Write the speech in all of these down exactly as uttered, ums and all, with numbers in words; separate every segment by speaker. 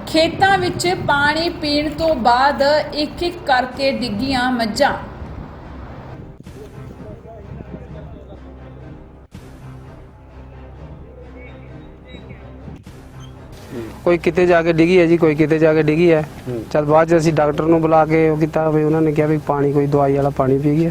Speaker 1: ਖੇਤਾਂ ਵਿੱਚ ਪਾਣੀ ਪੀਣ ਤੋਂ ਬਾਅਦ ਇੱਕ ਇੱਕ ਕਰਕੇ ਡਿੱਗੀਆਂ ਮੱਝਾਂ।
Speaker 2: कोई किते जाके डिगी है जी, कोई किते जाके डिगी है। चल बाद असीं डॉक्टर नूं बुला के वो कीता भी उन्होंने कहा भी पानी कोई दवाई वाला पानी पी गया।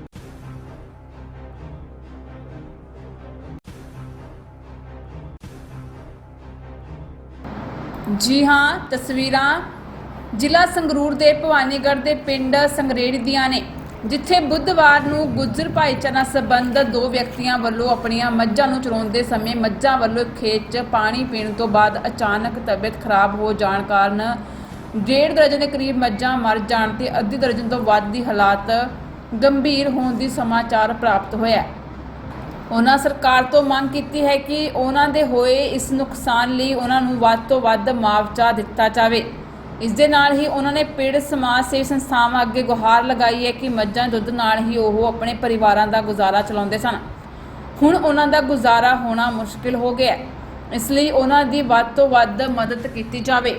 Speaker 1: जी हाँ, तस्वीरां जिला संगरूर के भवानीगढ़ के पिंड संगरेड़ी दियां ने, जिथे बुधवार नूं गुज्जर भाईचारा संबंधित दो व्यक्तियों वालों अपनियां मੱਝਾਂ ਨੂੰ ਚਰਾਉਂਦੇ समय मੱਝਾਂ वालों खेत च पानी पीने तो बाद अचानक तबीयत खराब हो जाने कारण डेढ़ दर्जन के करीब मੱਝਾਂ मर जाने ते अद्धी दर्जन तो वध दी हालात गंभीर होने की समाचार प्राप्त होया। उन्होंने सरकार तो मंग की है कि उन्होंने होए इस नुकसान लिए उन्होंने वध तो वध मुआवजा दिता जाए। इस दे नाल ही उन्होंने पीड़ित समाज सेवी संस्थावां अगे गुहार लगाई है कि मੱਝਾਂ दुध नाल ही वो अपने परिवारों का गुजारा चलाते सन। हुण उन्हां दा गुजारा होना मुश्किल हो गया, इसलिए उन्हां दी वध तो वध मदद की जाए।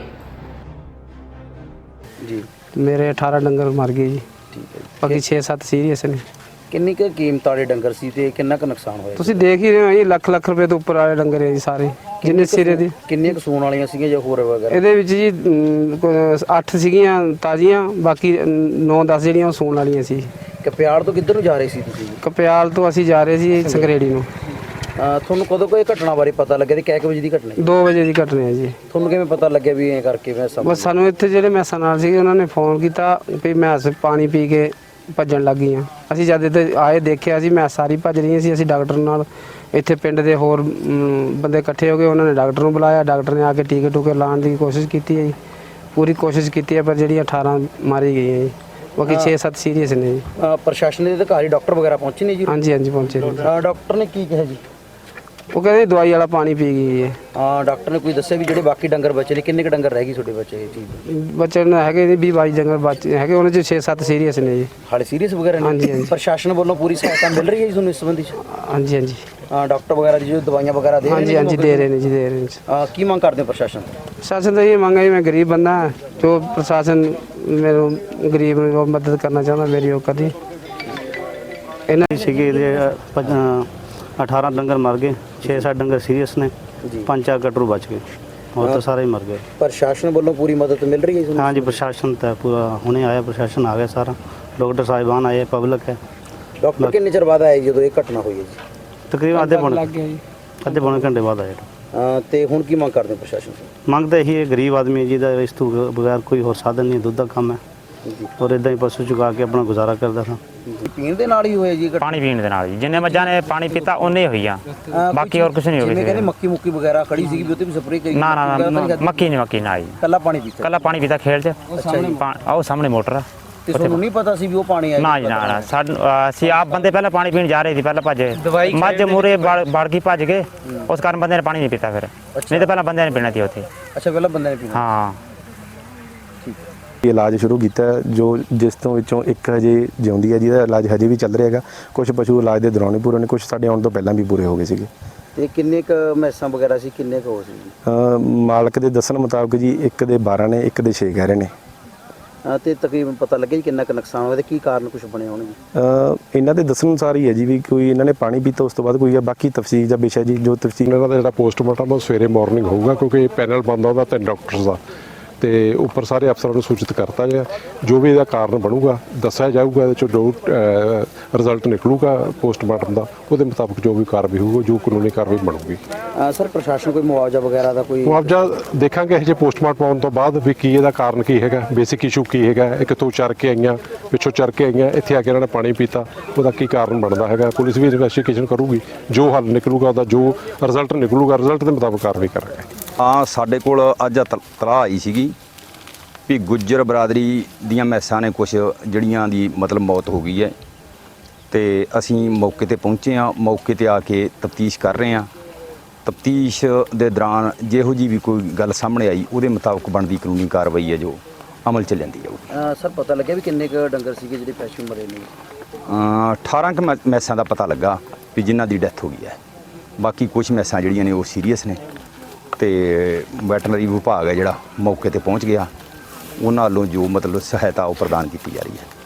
Speaker 2: जी मेरे अठारह डंगर मर गए जी।
Speaker 3: ठीक है,
Speaker 2: बाकी छे सत्त सीरीयस ने।
Speaker 3: किन्नी कुछ कीमत वाले डंगर सी ते किन्ना कुछ नुकसान होया?
Speaker 2: ਤੁਸੀਂ देख ही रहे हो जी, ਲੱਖ ਲੱਖ रुपए तो उपर वाले डंगर है जी सारे जिन्ने सिरे दी।
Speaker 3: किन्नी कुछ सूण वालियां सीगीਆਂ ਜਾਂ ਹੋਰ ਵਗੈਰਾ?
Speaker 2: ਇਹਦੇ ਵਿੱਚ ਜੀ ਅੱਠ ਸੀਗੀਆਂ ਤਾਜ਼ੀਆਂ, ਬਾਕੀ ਨੌ ਦਸ ਜਿਹੜੀਆਂ ਉਹ ਸੂਣ ਵਾਲੀਆਂ ਸੀ।
Speaker 3: ਕਪਿਆੜ ਤੋਂ ਕਿੱਧਰ ਨੂੰ ਜਾ ਰਹੇ ਸੀ ਤੁਸੀਂ?
Speaker 2: ਕਪਿਆਲ ਤੋਂ ਅਸੀਂ ਜਾ ਰਹੇ ਸੀ ਸੰਗਰੇੜੀ ਨੂੰ।
Speaker 3: ਤੁਹਾਨੂੰ ਕਦੋਂ ਕੋਈ ਘਟਨਾ ਬਾਰੇ ਪਤਾ ਲੱਗਿਆ ਤੇ ਕਿੰਨੇ ਵਜੇ ਦੀ ਘਟਨਾ?
Speaker 2: ਦੋ ਵਜੇ ਦੀ ਘਟਨਾ ਹੈ ਜੀ।
Speaker 3: ਤੁਹਾਨੂੰ ਕਿਵੇਂ ਪਤਾ ਲੱਗਿਆ ਵੀ ਐਂ ਕਰਕੇ ਮੈਂ ਸਮਝ?
Speaker 2: ਬਸ ਸਾਨੂੰ ਇੱਥੇ ਜਿਹੜੇ ਮੈਸਾਂ ਨਾਲ ਸੀਗੇ ਉਹਨਾਂ ਨੇ ਫੋਨ ਕੀਤਾ ਵੀ ਮੈਸ ਪਾਣੀ ਪੀ ਕੇ ਭੱਜਣ ਲੱਗ ਗਈਆਂ। ਅਸੀਂ ਜਦ ਇੱਥੇ ਆਏ ਦੇਖਿਆ ਸੀ ਮੈਸ ਸਾਰੀ ਭੱਜ ਰਹੀਆਂ ਸੀ। ਅਸੀਂ ਡਾਕਟਰ ਨਾਲ ਇੱਥੇ ਪਿੰਡ ਦੇ ਹੋਰ ਬੰਦੇ ਇਕੱਠੇ ਹੋ ਗਏ, ਉਹਨਾਂ ਨੇ ਡਾਕਟਰ ਨੂੰ ਬੁਲਾਇਆ। ਡਾਕਟਰ ਨੇ ਆ ਕੇ ਟੀਕੇ ਟੂਕੇ ਲਾਉਣ ਦੀ ਕੋਸ਼ਿਸ਼ ਕੀਤੀ ਹੈ ਜੀ, ਪੂਰੀ ਕੋਸ਼ਿਸ਼ ਕੀਤੀ ਹੈ, ਪਰ ਜਿਹੜੀ ਅਠਾਰਾਂ ਮਾਰੀ ਗਈਆਂ ਜੀ, ਬਾਕੀ ਛੇ ਸੱਤ ਸੀਰੀਅਸ ਨੇ ਜੀ।
Speaker 3: ਪ੍ਰਸ਼ਾਸਨ ਦੇ ਅਧਿਕਾਰੀ ਡਾਕਟਰ ਵਗੈਰਾ ਪਹੁੰਚੇ ਨੇ ਜੀ?
Speaker 2: ਹਾਂਜੀ ਹਾਂਜੀ ਪਹੁੰਚੇ ਨੇ।
Speaker 3: ਡਾਕਟਰ ਨੇ ਕੀ ਕਿਹਾ ਜੀ?
Speaker 2: ਉਹ ਕਹਿੰਦੇ ਦਵਾਈ ਵਾਲਾ ਪਾਣੀ ਪੀ ਗਈ ਹੈ।
Speaker 3: ਹਾਂ, ਡਾਕਟਰ ਨੇ ਕੋਈ ਦੱਸਿਆ ਵੀ ਜਿਹੜੇ ਬਾਕੀ ਡੰਗਰ ਬਚੇ ਨੇ ਕਿੰਨੇ ਕ ਡੰਗਰ ਰਹਿ ਗਏ ਤੁਹਾਡੇ ਬੱਚੇ? ਇਹ ਚੀਜ਼
Speaker 2: ਬੱਚੇ ਨੇ ਹੈਗੇ ਜੀ ਵੀਹ ਬਾਈ ਡੰਗਰ ਬਚੇ ਹੈਗੇ, ਉਹਨਾਂ 'ਚ ਛੇ ਸੱਤ ਸੀਰੀਅਸ ਨੇ ਜੀ।
Speaker 3: ਹਾਲੇ ਸੀਰੀਅਸ ਵਗੈਰਾ ਨੇ?
Speaker 2: ਹਾਂਜੀ ਹਾਂਜੀ।
Speaker 3: ਪ੍ਰਸ਼ਾਸਨ ਵੱਲੋਂ ਪੂਰੀ ਸਹਾਇਤਾ ਮਿਲ ਰਹੀ ਹੈ ਜੀ ਤੁਹਾਨੂੰ ਇਸ ਸੰਬੰਧੀ 'ਚ?
Speaker 2: ਹਾਂਜੀ ਹਾਂਜੀ।
Speaker 3: ਹਾਂ, ਡਾਕਟਰ ਵਗੈਰਾ ਜੀ ਜੋ ਦਵਾਈਆਂ ਵਗੈਰਾ ਦੇ ਰਹੇ ਨੇ?
Speaker 2: ਹਾਂਜੀ ਹਾਂਜੀ ਦੇ ਰਹੇ ਨੇ ਜੀ, ਦੇ ਰਹੇ ਨੇ।
Speaker 3: ਹਾਂ, ਕੀ ਮੰਗ ਕਰਦੇ ਹੋ ਪ੍ਰਸ਼ਾਸਨ ਤੋਂ?
Speaker 2: ਪ੍ਰਸ਼ਾਸਨ ਤਾਂ ਇਹ ਮੰਗ ਹੈ, ਮੈਂ ਗਰੀਬ ਬੰਦਾ ਜੋ ਪ੍ਰਸ਼ਾਸਨ ਮੈਨੂੰ ਗਰੀਬ ਨੂੰ ਮਦਦ ਕਰਨਾ ਚਾਹੁੰਦਾ ਮੇਰੀ ਉਹ ਕਦੀ ਇਹਨਾਂ
Speaker 4: ਸੀਗੇ अठारह डंगर मर गए, छे सत्त डंगर सीरीयस ने, पाँच चार कटरू बच गए और तो सारे ही मर गए।
Speaker 3: प्रशासन वालों पूरी मदद मिल रही है?
Speaker 4: हाँ जी, प्रशासन तो पूरा हुणे आया, प्रशासन आ गया सारा, डॉक्टर साहिबान आए, पब्लिक है।
Speaker 3: डॉक्टर कितने चर बाद आए जो ये घटना हुई है जी?
Speaker 4: तकरीबन आधे पौने अद्धे पौने घंटे बाद आए।
Speaker 3: तो हुण की मंग करते प्रशासन से?
Speaker 4: मंग तो यही है, गरीब आदमी जी का इस तो बगैर कोई होर साधन नहीं, दुध का काम है और इदा ही पशु चुका के अपना गुजारा करता था।
Speaker 3: पीण दे नाल ही होया जी?
Speaker 5: पानी पीण दे नाल जी, जिन्ने मੱਝਾਂ ने पानी पीता उन्ने होई आ, बाकी और कुछ नहीं हो
Speaker 3: गया। कहने मक्की मुक्की वगैरह खड़ी सी भी भी स्प्रे करी?
Speaker 5: ना ना ना, मक्की नहीं मक्की ना जी,
Speaker 3: कल्ला पानी पीता?
Speaker 5: कल्ला पानी पीता खेल च। आओ सामने मोटर आ।
Speaker 3: ਤੇ ਤੁਹਾਨੂੰ ਨਹੀਂ ਪਤਾ ਸੀ ਵੀ ਉਹ ਪਾਣੀ ਆਇਆ?
Speaker 5: ਨਾ ਜੀ ਨਾ ਨਾ, ਸਾਨੂੰ ਅਸੀਂ ਆਪ ਬੰਦੇ ਪਹਿਲਾਂ ਪਾਣੀ ਪੀਣ ਜਾ ਰਹੇ ਸੀ, ਪਹਿਲਾਂ ਭੱਜ ਮੱਝ ਮੂਰੇ ਵੜ ਗਈ ਭੱਜ ਗਏ, ਉਸ ਕਾਰਨ ਬੰਦੇ ਨੇ ਪਾਣੀ ਨਹੀਂ ਪੀਤਾ ਫਿਰ, ਨਹੀਂ ਤਾਂ ਪਹਿਲਾਂ ਬੰਦਿਆਂ ਨੇ ਪੀਣਾ ਸੀ ਉੱਥੇ।
Speaker 3: ਅੱਛਾ, ਪਹਿਲਾਂ ਬੰਦੇ ਨੇ ਪੀਣਾ?
Speaker 5: ਹਾਂ।
Speaker 6: ਇਲਾਜ ਸ਼ੁਰੂ ਕੀਤਾ ਜੋ ਜਿਸ ਤੋਂ ਵਿੱਚੋਂ ਇੱਕ ਹਜੇ ਜਿਉਂਦੀ ਹੈ, ਜਿਹਦਾ ਇਲਾਜ ਹਜੇ ਵੀ ਚੱਲ ਰਿਹਾ ਹੈਗਾ। ਕੁਝ ਪਸ਼ੂ ਇਲਾਜ ਦੇ ਦੌਰਾਨ ਹੀ ਪੂਰੇ ਨੇ, ਕੁਝ ਸਾਡੇ ਆਉਣ ਤੋਂ ਪਹਿਲਾਂ ਵੀ ਪੂਰੇ ਹੋ ਗਏ ਸੀਗੇ।
Speaker 3: ਤੇ ਕਿੰਨੇ ਕ ਮੈਸਾਂ ਵਗੈਰਾ ਸੀ, ਕਿੰਨੇ ਕ ਹੋ ਸੀ?
Speaker 6: ਮਾਲਕ ਦੇ ਦੱਸਣ ਮੁਤਾਬਕ ਜੀ ਇੱਕ ਦੇ ਬਾਰਾਂ ਨੇ, ਇੱਕ ਦੇ ਛੇ ਕਹਿ ਰਹੇ ਨੇ।
Speaker 3: ਤੇ ਤਕਰੀਬਨ ਪਤਾ ਲੱਗਿਆ ਜੀ ਕਿੰਨਾ ਕ ਨੁਕਸਾਨ ਹੋਇਆ ਤੇ ਕੀ ਕਾਰਨ ਕੁਝ ਬਣੇ ਹੋਣਗੇ?
Speaker 6: ਇਹਨਾਂ ਦੇ ਦੱਸਣ ਅਨੁਸਾਰ ਹੀ ਹੈ ਜੀ ਵੀ ਕੋਈ ਇਹਨਾਂ ਨੇ ਪਾਣੀ ਪੀਤਾ, ਉਸ ਤੋਂ ਬਾਅਦ ਕੋਈ ਹੈ, ਬਾਕੀ ਤਫਸੀਲ ਦਾ ਵਿਸ਼ਾ ਜੀ ਜੋ ਤਫਸੀਲ
Speaker 7: ਇਹਨਾਂ ਦਾ ਜਿਹੜਾ ਪੋਸਟਮਾਰਟਮ ਉਹ ਸਵੇਰੇ ਮਾਰਨਿੰਗ ਹੋਊਗਾ, ਕਿਉਂਕਿ ਪੈਨਲ ਬਣਦਾ ਉਹਦਾ ਤਿੰਨ ਡਾਕਟਰਸ ਦਾ, ਤੇ ਉੱਪਰ ਸਾਰੇ ਅਫਸਰਾਂ ਨੂੰ ਸੂਚਿਤ ਕਰਤਾ ਗਿਆ। ਜੋ ਵੀ ਇਹਦਾ ਕਾਰਨ ਬਣੂਗਾ ਦੱਸਿਆ ਜਾਊਗਾ, ਇਹਦੇ ਚੋਂ ਜੋ ਰਿਜ਼ਲਟ ਨਿਕਲੂਗਾ ਪੋਸਟਮਾਰਟਮ ਦਾ, ਉਹਦੇ ਮੁਤਾਬਕ ਜੋ ਵੀ ਕਾਰਵਾਈ ਹੋਊਗੀ, ਜੋ ਕਾਨੂੰਨੀ ਕਾਰਵਾਈ ਬਣੂਗੀ।
Speaker 3: ਸਰ, ਪ੍ਰਸ਼ਾਸਨ ਕੋਈ ਮੁਆਵਜ਼ਾ ਵਗੈਰਾ ਦਾ ਕੋਈ?
Speaker 7: ਮੁਆਵਜ਼ਾ ਦੇਖਾਂਗੇ ਇਹ ਜੇ ਪੋਸਟਮਾਰਟਮ ਆਉਣ ਤੋਂ ਬਾਅਦ ਵੀ ਕੀ ਇਹਦਾ ਕਾਰਨ ਕੀ ਹੈਗਾ, ਬੇਸਿਕ ਇਸ਼ੂ ਕੀ ਹੈਗਾ, ਇਹ ਕਿੱਥੋਂ ਚਰ ਕੇ ਆਈਆਂ, ਪਿੱਛੋਂ ਚਰ ਕੇ ਆਈਆਂ, ਇੱਥੇ ਆ ਕੇ ਇਹਨਾਂ ਨੇ ਪਾਣੀ ਪੀਤਾ, ਉਹਦਾ ਕੀ ਕਾਰਨ ਬਣਦਾ ਹੈਗਾ। ਪੁਲਿਸ ਵੀ ਇਨਵੈਸਟੀਗੇਸ਼ਨ ਕਰੂਗੀ, ਜੋ ਹੱਲ ਨਿਕਲੂਗਾ ਉਹਦਾ ਜੋ ਰਿਜ਼ਲਟ ਨਿਕਲੂਗਾ, ਰਿਜ਼ਲਟ ਦੇ ਮੁਤਾਬਕ ਕਾਰਵਾਈ ਕਰਾਂਗੇ।
Speaker 8: ਹਾਂ, ਸਾਡੇ ਕੋਲ ਅੱਜ ਤਲਾਹ ਆਈ ਸੀਗੀ ਵੀ ਗੁੱਜਰ ਬਰਾਦਰੀ ਦੀਆਂ ਮੈਸਾਂ ਨੇ ਕੁਛ ਜਿਹੜੀਆਂ ਦੀ ਮਤਲਬ ਮੌਤ ਹੋ ਗਈ ਹੈ, ਤੇ ਅਸੀਂ ਮੌਕੇ ਤੇ ਪਹੁੰਚੇ ਹਾਂ। ਮੌਕੇ ਤੇ ਆ ਕੇ ਤਫਤੀਸ਼ ਕਰ ਰਹੇ ਹਾਂ। ਤਫਤੀਸ਼ ਦੇ ਦੌਰਾਨ ਜਿਹੋ ਜੀ ਵੀ ਕੋਈ ਗੱਲ ਸਾਹਮਣੇ ਆਈ ਉਹਦੇ ਮੁਤਾਬਕ ਬਣਦੀ ਕਾਨੂੰਨੀ ਕਾਰਵਾਈ ਹੈ ਜੋ ਅਮਲ ਚ ਲੈਂਦੀ ਜਾਊਗੀ।
Speaker 3: ਸਰ, ਪਤਾ ਲੱਗਿਆ ਵੀ ਕਿੰਨੇ ਕ ਡੰਗਰ ਸੀਗੇ ਜਿਹੜੇ ਪਸ਼ੂ ਮਰੇ ਨੇ?
Speaker 8: ਅਠਾਰਾਂ ਕ ਮੈਸਾਂ ਦਾ ਪਤਾ ਲੱਗਾ ਵੀ ਜਿਨ੍ਹਾਂ ਦੀ ਡੈਥ ਹੋ ਗਈ ਹੈ। ਬਾਕੀ ਕੁਝ ਮੈਸਾਂ ਜਿਹੜੀਆਂ ਨੇ ਉਹ ਸੀਰੀਅਸ ਨੇ, ਤੇ ਵੈਟਰਨਰੀ ਵਿਭਾਗ ਹੈ ਜਿਹੜਾ ਮੌਕੇ ਤੇ ਪਹੁੰਚ ਗਿਆ, ਉਹਨਾਂ ਵੱਲੋਂ ਜੋ ਮਤਲਬ ਸਹਾਇਤਾ ਉਹ ਪ੍ਰਦਾਨ ਕੀਤੀ ਜਾ ਰਹੀ ਹੈ।